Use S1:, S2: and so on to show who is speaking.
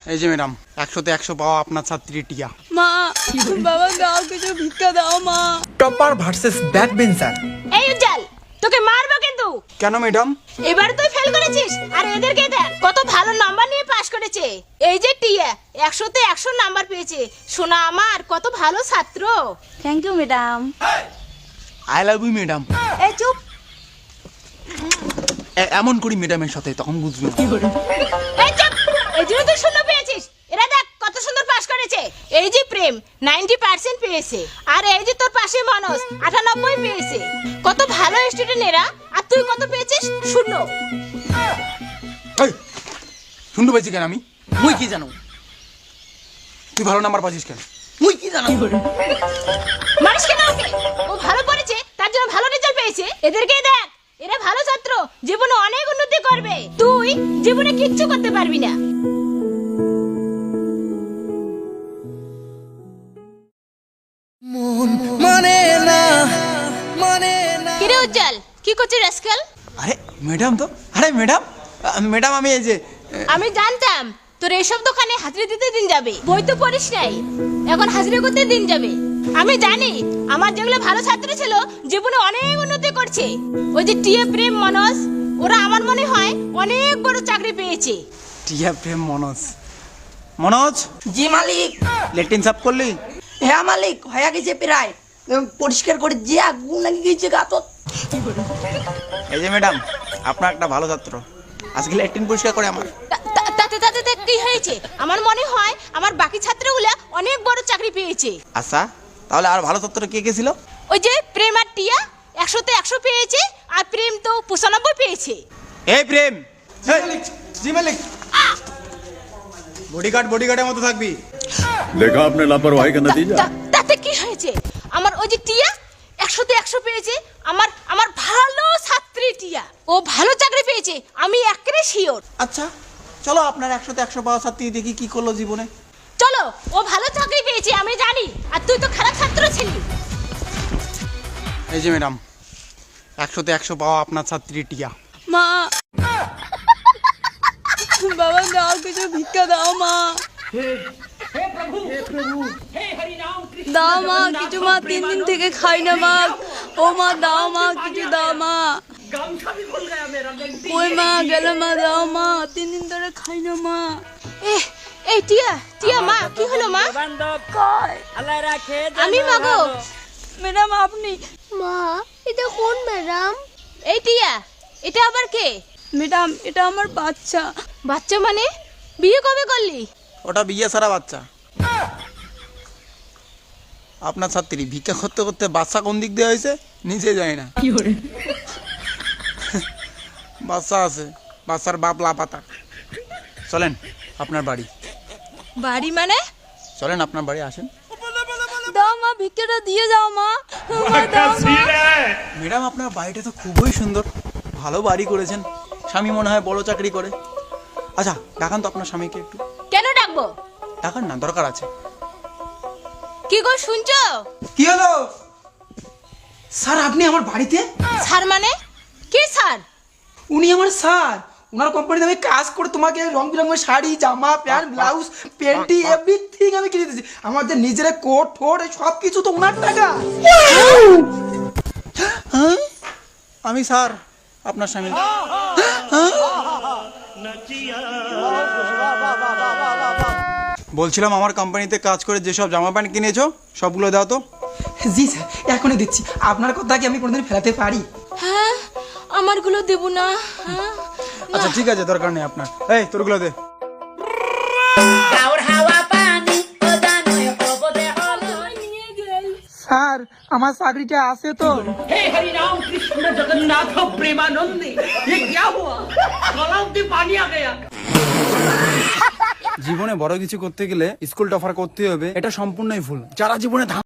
S1: এই যে ম্যাডাম 100তে 100 পাওয়া আপনার ছাত্রী টিয়া।
S2: মা বাবা দাও কিছু ভিক্ষা দাও মা।
S3: Topper versus back bencher.
S2: এই উজ্জ্বল তোকে মারবো কিন্তু।
S1: কেন ম্যাডাম?
S2: এবার তুই ফেল করেছিস আর এদেরকে দেখ কত ভালো নাম্বার নিয়ে পাস করেছে। এই যে টিয়া 100তে 100 নাম্বার পেয়েছে। সোনা আমার কত ভালো ছাত্র। Thank you madam.
S1: I love you madam.
S2: এই চুপ।
S1: এমন করি ম্যাডামের সাথে তখন বুঝবে।
S2: এই চুপ। এই জন্য তুই শূন্য পেয়েছিস। এরা দেখ কত সুন্দর পাস করেছে। এই যে প্রেম 90% পেয়েছে আর এই যে তোর পাশে মানস 98 পেয়েছে। কত ভালো স্টুডেন্ট এরা। আর তুই কত পেয়েছিস? শূন্য।
S1: এই শুনতে পাইছি কেন আমি? মুই কি জানো? তুই ভালো নাম্বার পাচ্ছিস কেন? মুই কি জানো?
S2: মারিস কেন ওকে? ও ভালো পড়েছে তার জন্য ভালো রেজাল্ট পেয়েছে। এদেরকে দেখ এরা ভালো ছাত্র, জীবনে অনেক উন্নতি করবে। তুই জীবনে কিচ্ছু করতে পারবি না। কিরে উজ্জ্বল কি করছিস আজকাল?
S1: আরে ম্যাডাম তো, আরে ম্যাডাম ম্যাডাম আমি এই যে
S2: আমি জানতাম তোর এইসব দোকানে হাজিরা দিতে দিন যাবে। বই তো পড়িস নাই, এখন হাজিরা করতে দিন যাবে। আমি জানি আমার যেগুলো ভালো ছাত্র ছিল জীবনে অনেক উন্নতি করছে। ওই যে টিএ প্রেম মনস ওরা আমার মনে হয় অনেক বড় চাকরি পেয়েছে।
S1: টিয়া প্রেম মনোজ। মনোজ
S4: জি মালিক।
S1: লেট্রিন সাফ করলি?
S4: হ্যাঁ মালিক হয়ে গেছে প্রায়। পরিষ্কার করে যে আগুন লাগিয়ে গেছে গাতত।
S1: এই যে ম্যাডাম আপনার একটা ভালো ছাত্র আজকে লেট্রিন পরিষ্কার করে আমার।
S2: তাতে তাতে কি হয়েছে? আমার মনে হয় আমার বাকি ছাত্রগুলা অনেক বড় চাকরি পেয়েছে।
S1: আচ্ছা তাহলে আর ভালো ছাত্র কে কে ছিল?
S2: ওই যে প্রেম আর টিয়া 100তে 100 পেয়েছে আর প্রেম তো 95 পেয়েছে।
S1: এই প্রেম জি মালিক বডিগার্ডের মতো থাকবি।
S5: देखा आपने लापरवाही का नतीजा।
S2: তাতে কি হয়েছে? আমার ওই যে টিয়া 100তে 100 পেয়েছে। আমার ভালো ছাত্রী টিয়া ও ভালো চাকরি পেয়েছে। আমি একেবারে শিওর।
S1: আচ্ছা চলো আপনার 100তে 100 পাওয়া ছাত্রী দেখি কি করলো জীবনে।
S2: চলো ও ভালো চাকরি পেয়েছে আমি জানি আর তুই তো খারাপ ছাত্র ছিলি।
S1: এই যে ম্যাডাম 100তে 100 পাওয়া আপনার ছাত্রী টিয়া।
S2: মা বাবা দাও কিছু ভিক্ষা দাও মা। দাও মা কিছু মা, 3 দিন থেকে খাই না মা। ও মা দাও মা কিছু দাও মা। ওই মা গেল মা দাও মা, 3 দিন ধরে খাই না মা। এই টিয়া মা কি হলো মা? আমি মা গো। ম্যাডাম আপনি?
S6: মা এটা কোন ম্যাডাম?
S2: এই টিয়া এটা আবার কে? ম্যাডাম এটা আমার বাচ্চা। বাচ্চা মানে? বিয়ে কবে করলি?
S1: ওটা বিয়ে সারা বাচ্চা। আপনার ছাত্রী ভিক্ষা করতে করতে বাচ্চা কোন দিক দিয়ে হয়েছে নিজে যায় না। বাচ্চা আছে, বাচ্চার বাপ লাপাতা। চলেন আপনার বাড়ি।
S2: বাড়ি মানে?
S1: চলেন আপনার বাড়ি আসেন।
S2: দাও মা ভিক্ষাটা দিয়ে যাও মা।
S1: ম্যাডাম আপনার বাড়িটা তো খুবই সুন্দর, ভালো বাড়ি করেছেন। স্বামী মনে হয় বড় চাকরি করে। আচ্ছা ডাকান তো আপনার স্বামীকে একটু।
S2: কেন ডাকবো?
S1: ডাকান না, দরকার আছে।
S2: কি গো শুনছো?
S3: কি হলো স্যার? আপনি আমার বাড়িতে?
S2: স্যার মানে? কে স্যার?
S3: উনি আমার স্যার। ওনার কোম্পানিতে আমি কাজ করে তোমাকে রং বেরঙের শাড়ি, জামা, প্যান্ট, ব্লাউজ, প্যান্টি এভরিথিং আমি কিনে দিয়েছি। আমাদের নিজের কোট ঠোঁট সব কিছু তো ওনার টাকা।
S1: হ্যাঁ আমি স্যার আপনার স্বামী। বলছিলাম আমার কোম্পানিতে কাজ করে যেসব জামা প্যান্ট কিনেছো সবগুলো দাও তো।
S3: জি স্যার এখনই দিচ্ছি। আপনার কথা কি আমি কোনোদিন ফেলাতে পারি?
S2: হ্যাঁ আমারগুলো দেব না। হ্যাঁ
S1: আচ্ছা ঠিক আছে, দরকার নেই আপনার। এই তোরগুলো দে।
S3: স্যার আমার চাকরিটা আছে তো?
S7: हे हरि राम कृष्ण जगन्नाथ प्रेमानंद ये क्या हुआ? गलाव में पानी आ गया।
S1: জীবনে বড় কিছু করতে গেলে স্কুল টপার করতে হবে, এটা সম্পূর্ণই ভুল। যারা জীবনে